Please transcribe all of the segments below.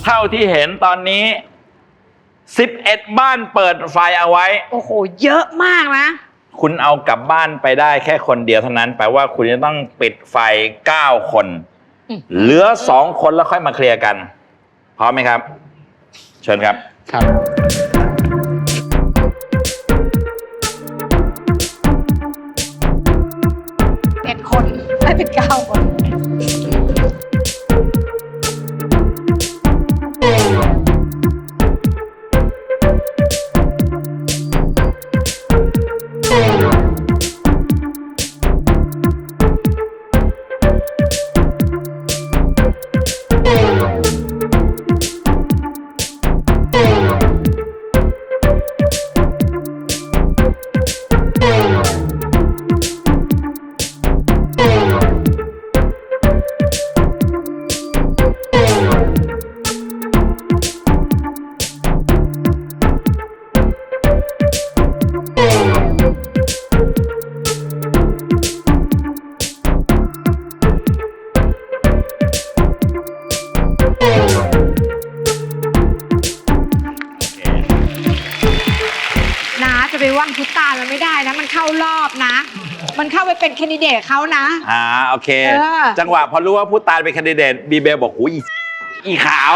เท่าที่เห็นตอนนี้11บ้านเปิดไฟเอาไว้โอ้โหเยอะมากนะคุณเอากลับบ้านไปได้แค่คนเดียวเท่านั้นแปลว่าคุณจะต้องปิดไฟ9คนเหลือ2คนแล้วค่อยมาเคลียร์กันพร้อมไหมครับเชิญครับครับ 11 คนไม่เป็น9 คนจะไปว่างพุตตามันไม่ได้นะมันเข้ารอบนะมันเข้าไปเป็นแคนดิเดตเขานะโอเคจังหวะพอรู้ว่าพุตตาเป็นแคนดิเดตบีเบลบอกอุ้ยอีขาว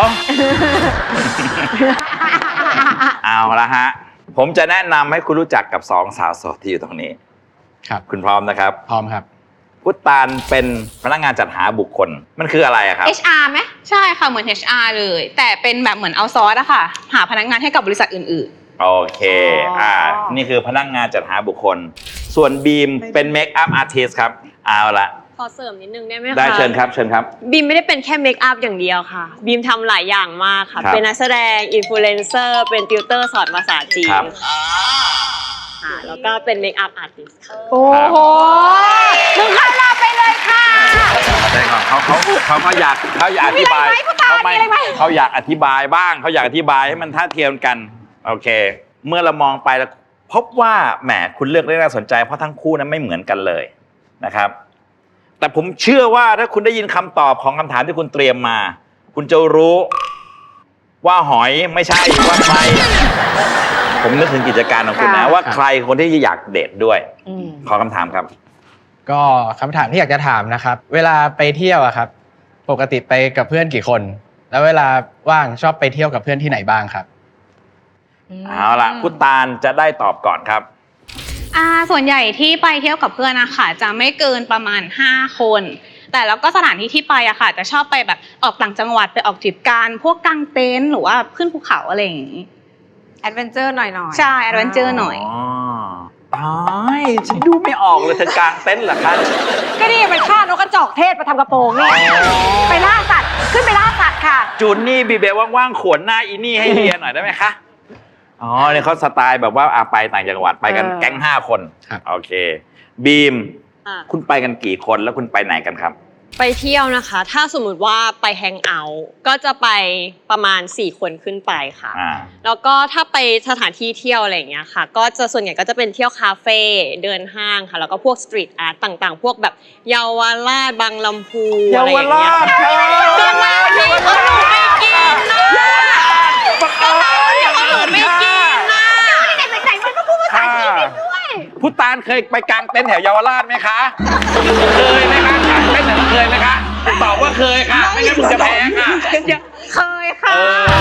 เอาละฮะผมจะแนะนำให้คุณรู้จักกับ2สาวโสดที่อยู่ตรงนี้ครับคุณพร้อมนะครับพร้อมครับพุตตาเป็นพนักงานจัดหาบุคคลมันคืออะไรครับ HR ไหมใช่ค่ะเหมือน HR เลยแต่เป็นแบบเหมือนเอาซอร์สอะค่ะหาพนักงานให้กับบริษัทอื่นโอเคนี่คือพนักงานจัดหาบุคคลส่วนบีมเป็นเมคอัพอาร์ติสต์ครับเอาละขอเสริมนิดนึงได้ไหมคะได้เชิญครับเชิญครับบีมไม่ได้เป็นแค่เมคอัพอย่างเดียวค่ะบีมทำหลายอย่างมากค่ะเป็นนักแสดงอินฟลูเอนเซอร์เป็นติวเตอร์สอนภาษาจีนแล้วก็เป็นเมคอัพอาร์ติสต์ค่ะโอ้โหมึงเข้ารอบไปเลยค่ะใช่ครับเขาก็อยากอธิบายเขาอยากอธิบายบ้างเขาอยากอธิบายให้มันท่าเทียมกันโอเคเมื่อเรามองไปแล้วพบว่าแหมคุณเลือกได้น่าสนใจเพราะทั้งคู่นั้นไม่เหมือนกันเลยนะครับแต่ผมเชื่อว่าถ้าคุณได้ยินคำตอบของคำถามที่คุณเตรียมมาคุณจะรู้ว่าหอยไม่ใช่ว่าใครผมนึกถึงกิจการของคุณนะว่าใครคนที่อยากเดทด้วยขอคำถามครับก็คำถามที่อยากจะถามนะครับเวลาไปเที่ยวอะครับปกติไปกับเพื่อนกี่คนแล้วเวลาว่างชอบไปเที่ยวกับเพื่อนที่ไหนบ้างครับเอาล่ะคุณตาลจะได้ตอบก่อนครับส่วนใหญ่ที่ไปเที่ยวกับเพื่อนนะคะจะไม่เกินประมาณ5คนแต่แล้วก็สถานที่ที่ไปอะค่ะจะชอบไปแบบออกต่างจังหวัดไปออกทริปกันพวกกางเต็นท์หรือว่าขึ้นภูเขาอะไรอย่างงี้แอดเวนเจอร์หน่อยใช่แอดเวนเจอร์หน่อยตายฉันดูไม่ออกเลยเธอกางเต็นท์เหรอคะก็นี่มันฆ่านกกระจอกเทศมาทำกระโปรงนี่ไปล่าสัตว์ขึ้นไปล่าสัตว์ค่ะจูนนี่บีเบลว่างๆขวนหน้าอีนี่ให้เรียนหน่อยได้ไหมคะเนี่ยเขาสไตล์แบบว่าไปต่างจังหวัดไปกันแก๊ง5 คนโอเคบีมคุณไปกันกี่คนแล้วคุณไปไหนกันครับไปเที่ยวนะคะถ้าสมมุติว่าไปแฮงเอาท์ก็จะไปประมาณ4 คนขึ้นไปค่ะแล้วก็ถ้าไปสถานที่เที่ยวอะไรอย่างเงี้ยค่ะก็จะส่วนใหญ่ก็จะเป็นเที่ยวคาเฟ่เดินห้างค่ะแล้วก็พวกสตรีทอาร์ตต่างๆพวกแบบเยาวราชบางลำพูอะไรอย่างเงี้ยก็มาที่เขาหนูไม่กินนะก็มาที่เขาหนูไม่กินนะไหนมันก็พูดภาษาจีนด้วยพุตานเคยไปกางเต็นท์แถวเยาวราชไหมคะเคยไหมคะกางเต็นท์เคยไหมคะตอบว่าเคยค่ะไม่งั้นคุณจะแพ้ค่ะเคยค่ะ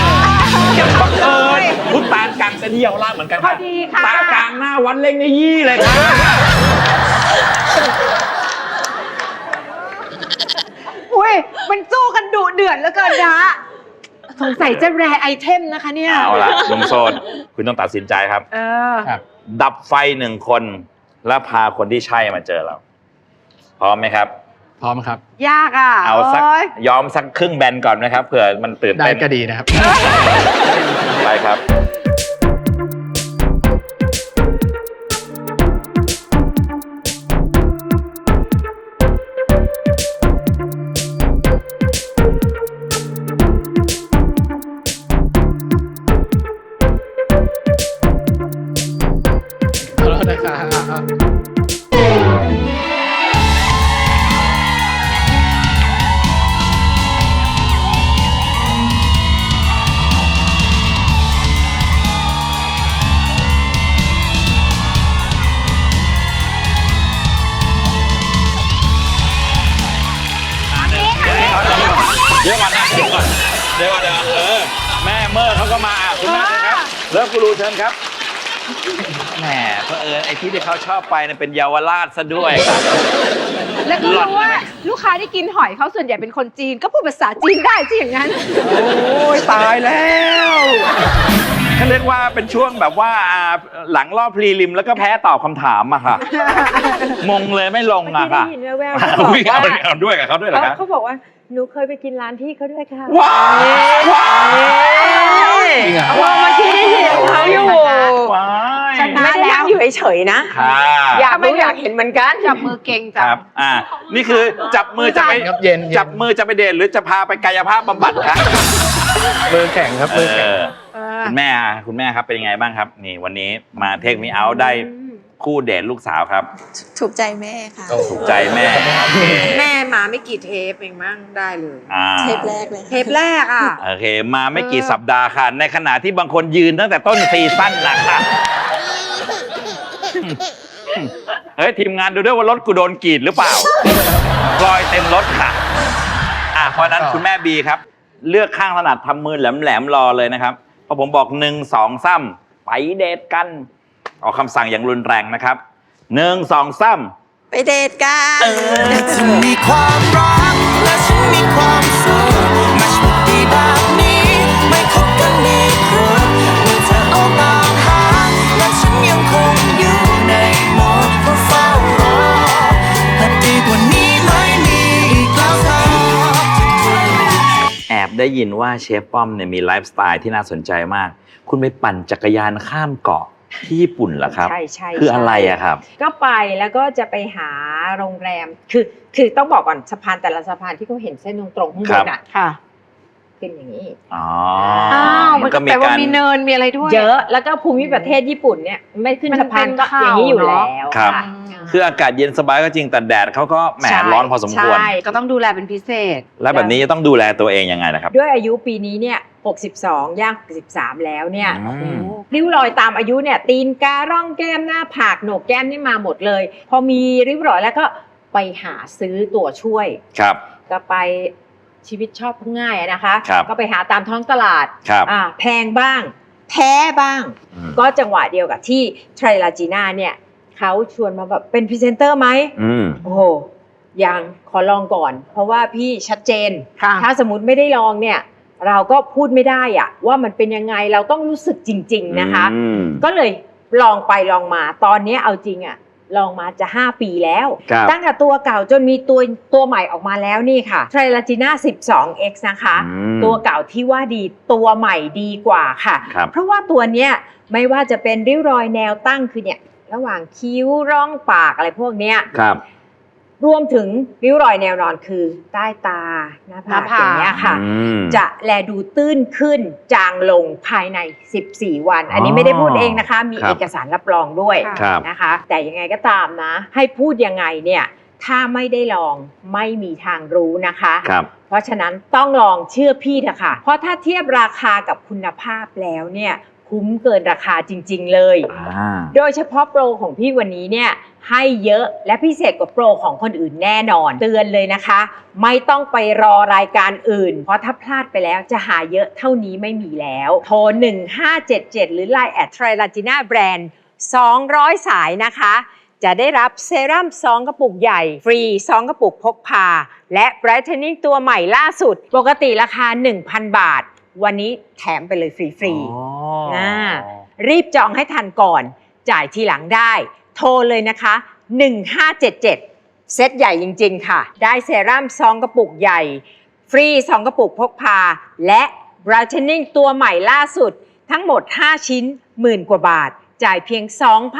พุตานกางเต็นท์ที่เยาวราชเหมือนกันพอดีค่ะตากลางหน้าวัดเล่งในยี่เลยค่ะอุ้ยมันสู้กันดุเดือดแล้วเกินนะสงสัยจะแรไอเทมนะคะเนี่ยเอาล่ะลุงโซนคุณต้องตัดสินใจครับดับไฟ1 คนแล้วพาคนที่ใช่มาเจอเราพร้อมไหมครับพร้อมครับยากอ่ะเอาสักยอมสักครึ่งแบนก่อนนะครับเผื่อมันตื่นเต้นได้ก็ดีนะครับไปครับเดี๋ยวก่อนนะเดี๋ยวก่อนแม่เมอร์เขาก็มาคุณแม่เชิญครับเลิฟกูรูเชิญครับแหมเผอิญไอ้ที่เขาชอบไปเนี่ยเป็นเยาวราชซะด้วยครับแล้วก็รู้ว่าลูกค้าที่กินหอยเขาส่วนใหญ่เป็นคนจีนก็พูดภาษาจีนได้สิอย่างนั้นโอ้ยตายแล้วเขาเรียกว่าเป็นช่วงแบบว่าหลังรอบพรีลิมแล้วก็แพ้ตอบคำถามอะค่ะมงเลยไม่ลงอะค่ะได้ยินแว่วๆเขาบอกว่าเอาด้วยกับเขาด้วยเหรอครับเขาบอกว่าหนูเคยไปกินร้านพี่เขาด้วยค่ะว้าวจริงเหรอเมื่อกี้ได้ยินเขาอยู่ว้ายชนะไม่ได้นั่งอยู่เฉยๆนะค่ะอยากรู้อยากเห็นเหมือนกันจับมือเก่งคจัรับ นี่คือจับมือจะไปครับเย็นจับมือจะไปเดทหรือจะพาไปกายภาพบำบัดครับมือแข็งครับมือแข็งคุณแม่ครับเป็นยังไงบ้างครับ นี่วันนี้มาเทคมีเอาได้คู่เดทลูกสาวครับถูกใจแม่ค่ะถูกใจแม่โอเคแม่มาไม่กี่เทปเองมั้งได้เลยเทปแรกเลยเทปแรกอ่ะโอเค มาไม่กี่สัปดาห์ค่ะ ในขณะที่บางคนยืนตั้งแต่ต้นซีซั่นนะค่ะเฮ้ยทีมงานดูด้วยว่ารถกูโดนกรีดหรือเปล่ารอยเต็มรถค่ะเพราะนั้นคุณแม่บีครับ เลือกข้างถนัดทำมือแหลมๆรอเลยนะครับพอผมบอก1 2 3ไปเดทกันออกคำสั่งอย่างรุนแรงนะครับ1 2 3 ไปเดทกันจะมีความรักและฉันมีความสุขมาชุดดีแบบนี้ไม่คบกันมีครัวเมื่อเธอออกตามหาและฉันยังคงอยู่ในโหมดเฝ้ารอแต่ดีกว่านี้ไม่มีอีกแล้วค่ะแอบได้ยินว่าเชฟป้อมเนี่ยมีไลฟ์สไตล์ที่น่าสนใจมาก คุณไปปั่นจักรยานข้ามเกาะที่ญี่ปุ่นเหรอครับใช่ใช่คืออะไรอะครับก็ไปแล้วก็จะไปหาโรงแรมคือต้องบอกก่อนสะพานแต่ละสะพานที่เขาเห็นเส้นตรงๆข้างบนอ่ะค่ะเป็นอย่างนี้อ๋อมันก็แปลว่ามีเนินมีอะไรด้วยเยอะแล้วก็ภูมิประเทศญี่ปุ่นเนี่ยไม่ขึ้นสะพานก็อย่างนี้อยู่แล้วครับค่ะคืออากาศเย็นสบายก็จริงแต่แดดเขาก็แหมร้อนพอสมควรใช่ก็ต้องดูแลเป็นพิเศษแล้วแบบนี้จะต้องดูแลตัวเองยังไงนะครับด้วยอายุปีนี้เนี่ย62ย่าง63แล้วเนี่ยอืมริ้วรอยตามอายุเนี่ยตีนการ่องแก้มหน้าผากโหนกแก้มนี่มาหมดเลย พอมีริ้วรอยแล้วก็ไปหาซื้อตัวช่วยครับก็ไปชีวิตชอบง่ายอะนะคะครับก็ไปหาตามท้องตลาดครับแพงบ้าง แพ้บ้างอืมก็จังหวะเดียวกับที่ไทรลาจีน่าเนี่ยเขาชวนมาแบบเป็นพรีเซนเตอร์ไหมอืมโอ้โหยังขอลองก่อน เพราะว่าพี่ชัดเจนค่ะถ้าสมมติไม่ได้ลองเนี่ย เราก็พูดไม่ได้อะว่ามันเป็นยังไงเราต้องรู้สึกจริง ๆนะคะอืมก็เลยลองไปลองมาตอนนี้เอาจริงอะลองมาจะ 5 ปีแล้วครับตั้งแต่ตัวเก่าจนมีตัวใหม่ออกมาแล้วนี่ค่ะไทรลาจีน่า 12x นะคะอืมตัวเก่าที่ว่าดีตัวใหม่ดีกว่าค่ะครับเพราะว่าตัวเนี้ยไม่ว่าจะเป็นริ้วรอยแนวตั้งคือเนี่ยระหว่างคิ้วร่องปากอะไรพวกเนี้ยครับรวมถึงริ้วรอยแนวนอนคือใต้ตาหน้าผากอย่างเงี้ยค่ะอืมจะแลดูตื้นขึ้นจางลงภายใน 14 วัน อันนี้ไม่ได้พูดเองนะคะ มีครับเอกสารรับรองด้วยครับนะคะ แต่ยังไงก็ตามนะ ให้พูดยังไงเนี่ยถ้าไม่ได้ลองไม่มีทางรู้นะคะครับเพราะฉะนั้นต้องลองเชื่อพี่เถอะค่ะ เพราะถ้าเทียบราคากับคุณภาพแล้วเนี่ยคุ้มเกินราคาจริง ๆ เลย โดยเฉพาะโปรของพี่วันนี้เนี่ยให้เยอะและพิเศษกว่าโปรของคนอื่นแน่นอน เตือนเลยนะคะ ไม่ต้องไปรอรายการอื่น เพราะถ้าพลาดไปแล้วจะหาเยอะเท่านี้ไม่มีแล้ว โทร 1577 หรือ Line @Trilagina Brand 200 สายนะคะ จะได้รับเซรั่ม2กระปุกใหญ่ฟรี2กระปุกพกพาและ Brightening ตัวใหม่ล่าสุด ปกติราคา 1,000 บาท วันนี้แถมไปเลยฟรีๆ รีบจองให้ทันก่อน จ่ายทีหลังได้ โทรเลยนะคะ 1577 เซตใหญ่จริงๆค่ะ ได้เซรั่ม2กระปุกใหญ่ ฟรี2กระปุกพกพา และ Brightening ตัวใหม่ล่าสุด ทั้งหมด 5 ชิ้นหมื่นกว่าบาท จ่ายเพียง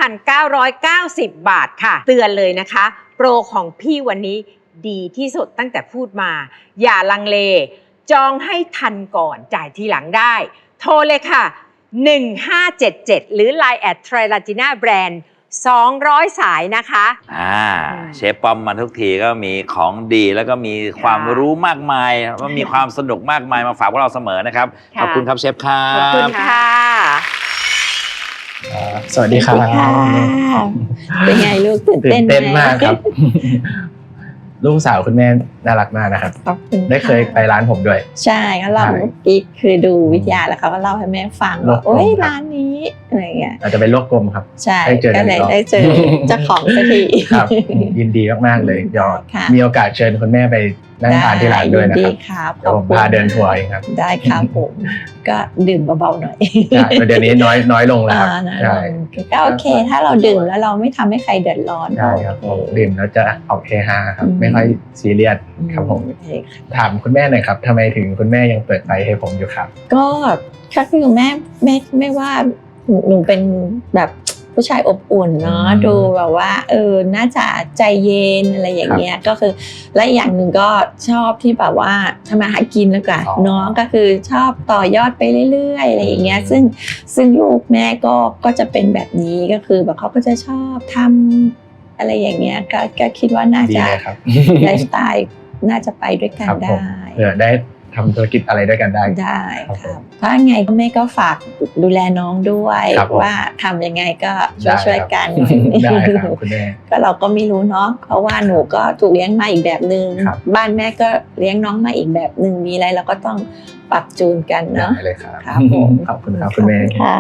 2,990 บาทค่ะ เตือนเลยนะคะ โปรของพี่วันนี้ดีที่สุดตั้งแต่พูดมา อย่าลังเล จองให้ทันก่อนจ่ายทีหลังได้ โทรเลยค่ะ 1577 หรือ Line @Trilagina Brand 200 สายนะคะเชฟป้อมมาทุกทีก็มีของดีแล้วก็มีความรู้มากมายว่ามีความสนุกมากมายมาฝากพวกเราเสมอนะครับค่ะขอบคุณครับเชฟครัขอบคุณบค่ะสวัสดีครับเป็นไงลูกตื่นตื่เต้นนไหเต้นมากครับลูกสาวคุณแม่น่ารักมากนะครับขอบคุณได้เคยไปร้านผมด้วยใช่ก็เล่าใช่เมื่อกี้คือดูวิทยาแล้วเขาก็เล่าให้แม่ฟังโลว่ากกลมโอ๊ยครับร้านนี้อะไรเงี้ยอาจจะเป็นโลกกลมครับใช่ได้เจอก็เลยกันอีกรอบได้เจอเจ้าของสักทีครับยินดีมากๆเลยเดี๋ยวค่ะมีโอกาสเชิญคุณแม่ไปนั่งทานที่ร้านด้วยนะดีครับครับเดี๋ยวผมพาเดินทัวร์เองครับได้ครับผมก็ดื่มเบาๆหน่อยใช่เดี๋ยวนี้น้อยลงแล้วครับนะใช่ก็โอเค ถ้าเราดื่มแล้วเราไม่ทำให้ใครเดือดร้อนใช่ครับผมโอเคดื่มแล้วจะออกเฮฮาครับไม่ค่อยซีเรียสครับผมโอเคค่ะถามคุณแม่หน่อยครับทำไมถึงคุณแม่ยังเปิดไฟให้ผมอยู่ครับก็คือแม่ว่าหนูเป็นแบบผู้ชายอบอุ่นเนาะอืมดูแบบว่าน่าจะใจเย็นอะไรอย่างเงี้ยก็คือและอีกอย่างหนึ่งก็ชอบที่แบบว่าทำมาหากินแล้วกันอ๋อเนาะก็คือชอบต่อยอดไปเรื่อยๆอะไรอย่างเงี้ยซึ่งลูกแม่ก็จะเป็นแบบนี้ก็คือแบบเขาก็จะชอบทำอะไรอย่างเงี้ยก็คิดว่าน่าดีจะเลยครับไลฟ์สไตล์น่าจะไปด้วยกันครับผมได้เผื่อได้ทำธุรกิจอะไรด้วยกันได้ได้ครับครับถ้าไงก็แม่ก็ฝากดูแลน้องด้วยครับผมว่าทำยังไงก็ได้ช่วยครับกันได้ครับคุณแม่ก็เราก็ไม่รู้เนาะเพราะว่าหนูก็ถูกเลี้ยงมาอีกแบบนึงครับบ้านแม่ก็เลี้ยงน้องมาอีกแบบนึงมีอะไรเราก็ต้องปรับจูนกันเนาะได้เลยครับครับผมขอบคุณครับคุณแม่ค่ะ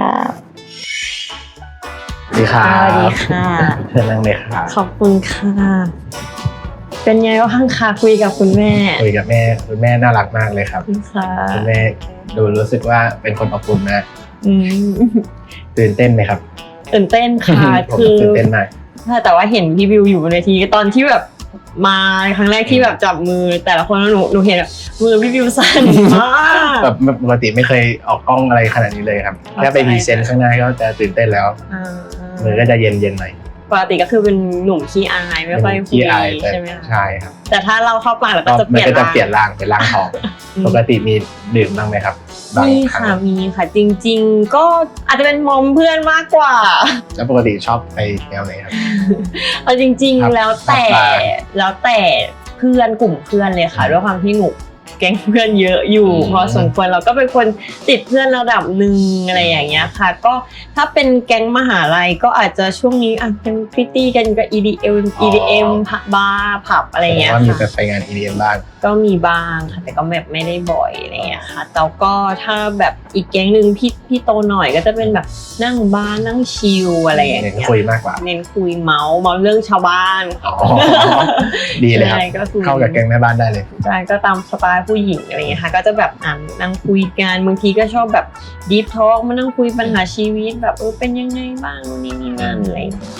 สวัสดีครับสวัสดีค่ะเชิญนั่งเลยครับขอบคุณค่ะ เป็นไงบ้างคะคุยกับคุณแม่คุยกับแม่คุณแม่น่ารักมากเลยครับค่ะคุณแม่ดูรู้สึกว่าเป็นคนอบอุ่นมากอืมตื่นเต้นไหมครับตื่นเต้นค่ะผมคือตื่นเต้นมากแต่ว่าเห็นพี่วิวอยู่บนเวทีตอนที่แบบมาครั้งแรกที่แบบจับมือแต่ละคนแล้วหนูเห็นแบบมือพี่วิวสั่นมากแบบปกติไม่เคยออกกล้องอะไรขนาดนี้เลยครับแค่ไปพรีเซนต์ข้างหน้าก็จะตื่นเต้นแล้วอ่ามือก็จะเย็นหน่อยปกติก็คือเป็นหนุ่มขี้อายไม่ค่อยคุขี้ยอายแต่ใช่ไหมคะใช่ครับแต่ถ้าเราเข้าปากแล้วก็ก็จะเปมันลี่ยนก็จะเปลี่ยนร่างเป็นร่างทอง ปกติมีดื่มบ้างไหมครับบางมีครั้ค่ะงมีค่ะจริง ๆ ก็อาจจะเป็นมอมเพื่อนมากกว่าแล้วปกติชอบไปแนวไหนครับเอาจริงครับๆ แล้วแต่ครับแล้วแต่เพื่อนกลุ่มเพื่อนเลยค่ะด้วยความที่หนูแก๊งเพื่อนเยอะอยู่อืมพอสมควรเราก็เป็นคนติดเพื่อนระดับหนึ่งอะไรอย่างเงี้ยค่ะ ก็ถ้าเป็นแก๊งมหาลัยก็อาจจะช่วงนี้เป็นพริตตี้กันก็ EDM บาร์ผับอะไรอย่างเงี้ยว่ามีค่ะไปงาน EDM บ้างก็มีบ้างค่ะแต่ก็แบบไม่ได้บ่อยอะไรอย่างเงี้ยค่ะแต่ก็ถ้าแบบอีกแก๊งหนึ่งพี่โตหน่อยก็จะเป็นแบบนั่งบาร์นั่งชิลอะไรอย่างเน้นเงี้ยคุยมากกว่าเน้นคุยเมาเรื่องชาวบ้านอ๋อดีเลยครับใช่ก็คือเข้ากับแก๊งแม่บ้านได้เลยใช่ก็ตามสไตล์ผู้หญิงอะไรเงี้ยค่ะก็จะแบบนั่งคุยกันบางทีก็ชอบแบบดีฟทอล์กมานั่งคุยปัญหาชีวิตแบบเป็นยังไงบ้างนู่นนี่นั่นอะไรอย่างเงี้ย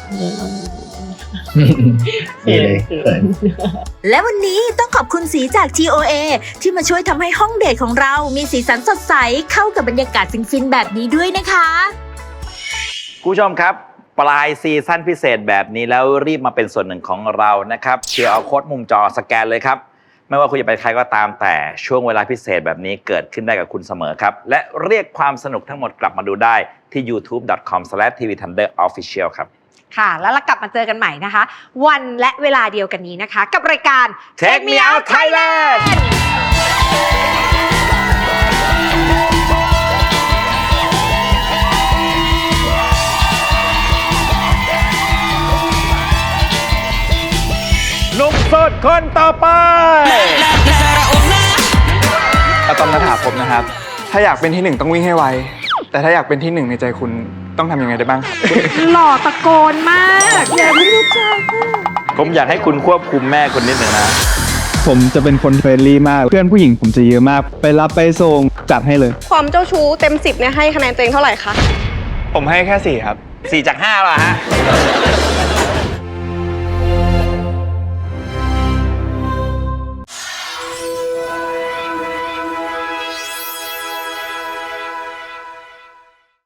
ดีเลยเขินและวันนี้ต้องขอบคุณสีจาก TOA ที่มาช่วยทำให้ห้องเดทของเรามีสีสันสดใสเข้ากับบรรยากาศฟินๆแบบนี้ด้วยนะคะคุณผู้ชมครับ ปลายซีซั่นพิเศษแบบนี้แล้วรีบมาเป็นส่วนหนึ่งของเรานะครับเชียร์เอาโค้ดมุมจอสแกนเลยครับ ไม่ว่าคุณจะเป็นใครก็ตามแต่ช่วงเวลาพิเศษแบบนี้เกิดขึ้นได้กับคุณเสมอครับ และเรียกความสนุกทั้งหมดกลับมาดูได้ที่ youtube.com/tvthunderofficial ครับค่ะ แล้วเรากลับมาเจอกันใหม่นะคะ วันและเวลาเดียวกันนี้นะคะ กับรายการ Take Me Out Thailand หนุ่มโสดคนต่อไปอะตอมณฐาภพนะครับ ถ้าอยากเป็นที่หนึ่งต้องวิ่งให้ไว แต่ถ้าอยากเป็นที่หนึ่งในใจคุณต้องทำยังไงได้บ้างครับหล่อตะโกนมากอย่าไม่รู้จักผมอยากให้คุณควบคุมแม่คุณนิดหนึ่งนะผมจะเป็นคนเฟรนลี่มาก เพื่อนผู้หญิงผมจะเยอะมาก ไปรับไปส่งจัดให้เลยความเจ้าชู้เต็ม 10เนี่ยให้คะแนนตัวเองเท่าไหร่คะผมให้แค่ 4 ครับ 4 จาก 5ป่ะฮะ